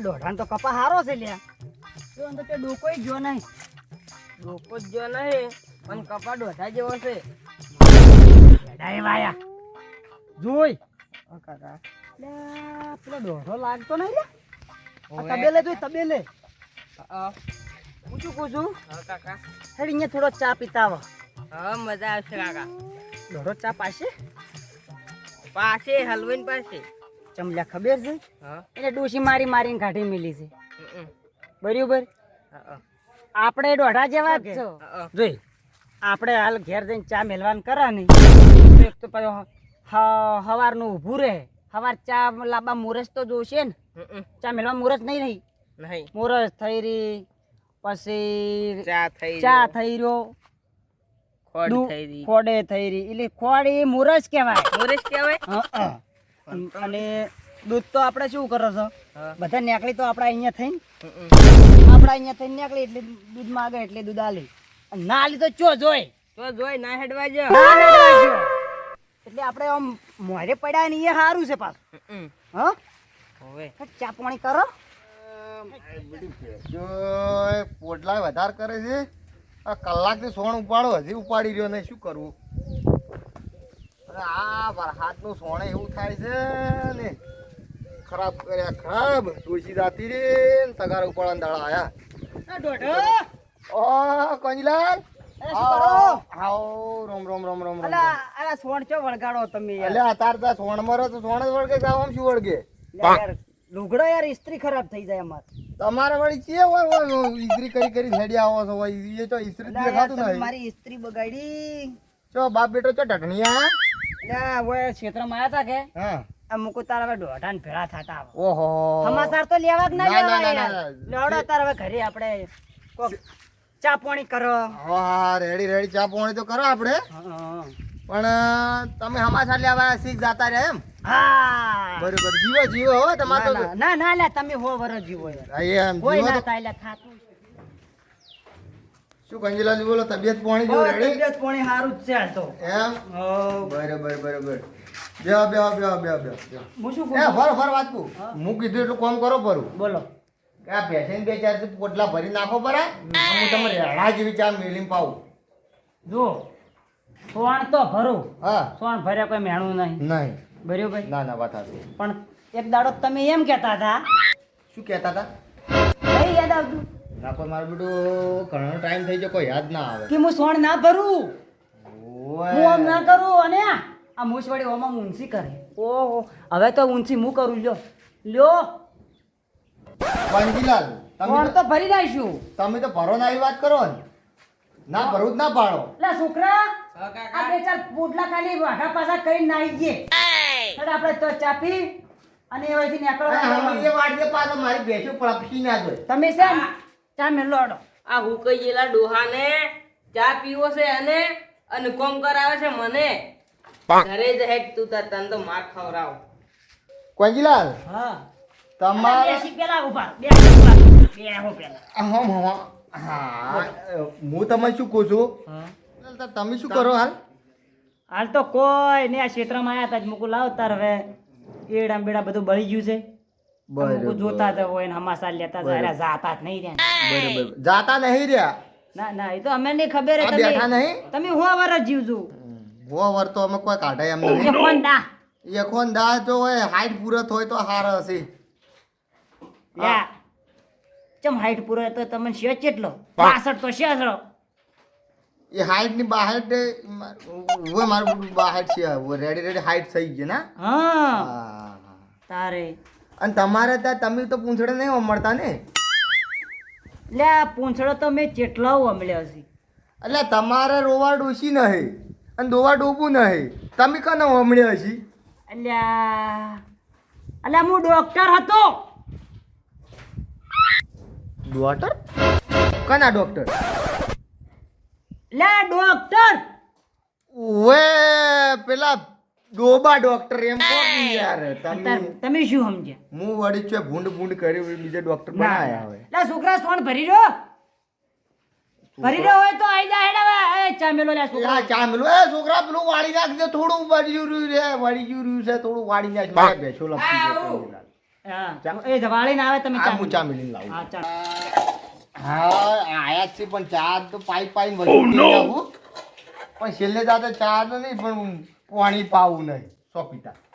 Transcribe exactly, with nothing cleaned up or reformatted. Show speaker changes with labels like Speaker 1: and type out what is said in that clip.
Speaker 1: દોઢાન તો કપા હારો છે લ્યા. તો અંદર તે ડોકોય જો નહીં.
Speaker 2: ડોકો જ જો નહીં પણ કપા દોઢા જેવો છે.
Speaker 1: ડાય વાયા જોઈ
Speaker 2: ઓ કાકા
Speaker 1: લ્યા પેલો દોઢો લાગતો નહીં લે. આ
Speaker 2: ઓવે.
Speaker 1: તબેલે જોઈ તબેલે.
Speaker 2: હા
Speaker 1: હું શું કહું છું
Speaker 2: હા કાકા
Speaker 1: હેડ અહીંયા થોડો ચા પીતા આવો.
Speaker 2: હા મજા આવશે કાકા.
Speaker 1: દોઢો ચા પાશે
Speaker 2: પાસે હલવાઈન પાસે.
Speaker 1: ચમલ્યા ખબર છે
Speaker 2: હા
Speaker 1: એને ડોશી મારી મારીને કાઢી મેલી છે
Speaker 2: હમ, હમ.
Speaker 1: બરાબર.
Speaker 2: હા
Speaker 1: આપણે દોઢા જેવા જ છો.
Speaker 2: હા
Speaker 1: જોઈ આપણે હાલ ઘેર જઈને ચા મેલવાન કરા નહીં તો એક તો પાછો હ- હવારનું ઊભું રહે. હવાર ચા લાંબા મુરસ તો જોશે ને.
Speaker 2: હમ, હમ.
Speaker 1: ચા મેલવા મુરસ નહીં રહી.
Speaker 2: નહીં
Speaker 1: મુરસ થઈ રહી પછી
Speaker 2: ચા થઈ
Speaker 1: ચા
Speaker 2: રહ્યો.
Speaker 1: થઈ રહ્યો
Speaker 2: ખોડ
Speaker 1: દૂ-
Speaker 2: થઈ રહી.
Speaker 1: ખોડે થઈ રહી એટલે ખોડ એ મુરસ કહેવાય.
Speaker 2: મોરેશ કહેવાય.
Speaker 1: હં, હં. અને દૂધ તો આપણે શું કરો છો
Speaker 2: હા
Speaker 1: બધા નેકળી તો આપણે અહીંયા થઈને
Speaker 2: હમ, હમ.
Speaker 1: આપણે અહીંયા થઈને નેકળી એટલે દૂધ માગે એટલે દૂધ આલી અને ના આલી તો ચો જોઈ
Speaker 2: તો જોઈ ના હેડવા જો.
Speaker 1: ના હેડવા જો. એટલે આપણે આમ મોરે પડ્યા ને એ સારું છે પાછું.
Speaker 2: હમ,
Speaker 1: હા
Speaker 2: હોવે.
Speaker 1: ચા પાણી કરો.
Speaker 3: જો પોટલા વધારે કરે છે આ કલાકથી સોણ ઉપાડો હજી ઉપાડી રહ્યો નહીં શું કરવું અરે આ વરસાદનું સોણે એવું થાય છે ને ખરાબ કર્યા ખરાબ ડોસી જાતી રે ને તગાર ઉપાડવાના દાડા આયા
Speaker 1: આ દોઢો.
Speaker 3: ઓ કંજલાલ
Speaker 1: અરે શું કરો?
Speaker 3: આવો રોમ રોમ રોમ રોમ રોમ
Speaker 1: અલા અલા સોણ ચો વળગાડો તમે યાર.
Speaker 3: એટલે અતાર તા સોણ મરો તો સોણ જ વળગે જાવ આમ શું વળગે
Speaker 1: યાર લુગડો યાર ઇસ્ત્રી ખરાબ થઈ જાય અમાર.
Speaker 3: તમારે વળી ચે હોય હોય ઈસ્ત્રી કરી કરી હેડી આવો છો હોય એ તો ઈસ્ત્રી
Speaker 1: અલા યાર
Speaker 3: દેખાતું
Speaker 1: તમે
Speaker 3: નહીં
Speaker 1: મારી ઇસ્ત્રી બગાડી.
Speaker 3: ચો બાપ બેટો ચો ઢઢણિયા
Speaker 1: લ્યા ઓય ક્ષેત્રમાં આયા તા કે
Speaker 3: હા
Speaker 1: આ મુકુ તારા હવે દોઢાન ભેળા થાતા આવો.
Speaker 3: ઓહો
Speaker 1: સમાચાર તો લેવા જ ના
Speaker 3: ના, ના,
Speaker 1: લેવા
Speaker 3: ના,
Speaker 1: યાર.
Speaker 3: ના.
Speaker 1: લેવડો તાર હવે ઘરે આપણે કોક ચા પાણી કરો.
Speaker 3: હા રેડી રેડી ચા પાણી તો કરો આપણે
Speaker 1: હા.
Speaker 3: પણ અ, તમે સમાચાર લેવા શીખ જાતા રહ્યા એમ
Speaker 1: હા
Speaker 3: બરોબર જીવો જીવો હો તમારે તો
Speaker 1: ના, ના ના લે તમે હો વરસ જીવો યાર.
Speaker 3: હા, એમ
Speaker 1: કોઈ
Speaker 3: જીવો
Speaker 1: ના
Speaker 3: તો
Speaker 1: થાય લે થાતું.
Speaker 3: શું કંજીલાજી બોલો તબિયત પાણી જો
Speaker 1: હો,
Speaker 3: રેડી
Speaker 1: તબિયત પાણી હારું જ છે હાલ તો.
Speaker 3: એમ
Speaker 1: હો.
Speaker 3: બરોબર બરોબર બેહો બેહો બેહો બેહો બેહો બેહો.
Speaker 1: હું શું
Speaker 3: એ
Speaker 1: કહું?
Speaker 3: ફર ફર વાત કહું
Speaker 1: હા.
Speaker 3: હું કીધું એટલું કામ કરો પરું
Speaker 1: બોલો.
Speaker 3: કે આ ભેંસીને બે ચાર પોટલા ભરી નાખો પરા હું તમે રેડા જેવી ચા મેલીને પાઉં
Speaker 1: જો સોણ તો ભરું.
Speaker 3: હા
Speaker 1: સોણ ભર્યા કોઈ મેણું નહીં.
Speaker 3: નહીં
Speaker 1: ભર્યું ભાઈ.
Speaker 3: ના ના વાત હતી
Speaker 1: પણ એક દાડો તમે એમ કહેતા હતા
Speaker 3: શું કહેતા હતા
Speaker 1: નહીં યાદ આવતું
Speaker 3: ના કોઈ મારું બેટું ઘણો ટાઈમ થઈ ગયો કોઈ યાદ ના આવે
Speaker 1: કે હું સોણ ના ભરું.
Speaker 3: ઓય.
Speaker 1: હું આમ ના કરું અને આ મૂછવાડી ઓમાં ઊંચી કરે. ઓહો હવે તો ઊંચી હું કરું લ્યો લ્યો
Speaker 3: વાંજીલાલ તમે
Speaker 1: સોણ
Speaker 3: તો
Speaker 1: તો ભરી નાખશું.
Speaker 3: તમે તો ભરો ના આવી વાત કરો ને ના ભરું જ ના પાડો
Speaker 1: લે છોકરા
Speaker 2: હા, કાકા.
Speaker 1: આ બે ચાર પોટલા ખાલી વાઘા પાછા કરીને નાઈ ગયે. ચાલ આપણે તો ચાપી અને એવાથી નીકળો.
Speaker 3: અને અમે એ વાડીએ પાછો મારી ભેંસો પળપસી ના જોઈ
Speaker 1: તમે છે ને ચા મેલો આડો.
Speaker 2: આ હુકઈ ગયેલા ડોહાને ચા પીવો છે અને અને કોમ કરાવે છે મને ઘરે જ હેડ તું તાર તને તો માર ખવરાવ.
Speaker 3: કંજીલાલ
Speaker 1: હા
Speaker 3: તમારે
Speaker 1: બેસી પેલા ઉભા બેસી ઉભા બેહો પેલા.
Speaker 3: હમ હમ હા હું તમને શું કહું છું
Speaker 1: હા
Speaker 3: તમે શું કરો હાલ
Speaker 1: હાલ તો કોઈ ને આ ક્ષેત્રમાં આયા તા જ મુકુ લાવ તાર હવે એડા બેડા બધું બળી ગયું છે. મુકુ જોતા તો હોય ને હમાસા લેતા જાય જાતા જ નહીં રહ્યા.
Speaker 3: બરોબર જાતા નહીં રહ્યા
Speaker 1: ના ના એ તો અમે નહીં ખબર હે
Speaker 3: આ બેઠા
Speaker 1: તમે
Speaker 3: નહીં
Speaker 1: તમે હો વરસ જીવજો.
Speaker 3: વો વર તો અમે કોઈ કાઢે એમ
Speaker 1: એ
Speaker 3: નહીં
Speaker 1: કોણ દા
Speaker 3: એકોન દા જો હોય હાઈટ પૂરત હોય તો હાર હશે
Speaker 1: યા ચમ હાઈટ પૂરો તો તમને છે કેટલો પાસઠ તો છે જ.
Speaker 3: એ હાઈટ ની બહાર હવે મારું બહાર છે રેડી રેડી હાઈટ થઈ ગઈ ના
Speaker 1: હા
Speaker 3: હા.
Speaker 1: તારે
Speaker 3: અને તમારે ત્યાં તમે તો પૂંછડે નહીં મળતા ને
Speaker 1: લે આ પૂંછડો તો મેં ચેટલા અમલ્યો છે.
Speaker 3: એટલે તમારે રોવા ડોસી નહીં અને દોવા ડોબું નહીં તમે કને હમણ્યા હશી
Speaker 1: અલ્યા અલ્યા હું ડોક્ટર હતો.
Speaker 3: ડોક્ટર કના ડોક્ટર
Speaker 1: લે ડોક્ટર
Speaker 3: ઓએ પેલા ડોબા ડોક્ટર એમ કહો કે યાર તમે
Speaker 1: તાર- તમે શું સમજ્યા?
Speaker 3: હું વળી છે ભૂંડ ભૂંડ કરી બીજા ડોક્ટર બનાયા હવે
Speaker 1: લે છોકરા સોન ભરી રહ્યો ભરી રહ્યો હોય તો આઈ જા હેડ હવે. એ ચા મેલો લે છોકરા.
Speaker 3: આ ચા મેલું એ છોકરા પેલું વાળી નાખજે થોડું વાળી રહ્યું રે વાળી ગયું રહ્યું છે થોડું વાળી નાખ મારે બેઠો લપસી ગયો.
Speaker 1: હા એ વાળીને આવે તમે
Speaker 3: આ
Speaker 1: ચા
Speaker 3: હું ચા મિલીને લાવું
Speaker 1: હા ચા
Speaker 3: હા આયા જ છે પણ ચા તો પાઈ પાઈ વધુ પી જાવું પણ છેલ્લે જાતે ચા તો નહીં પણ પાણી પાવું નહીં સો પીતા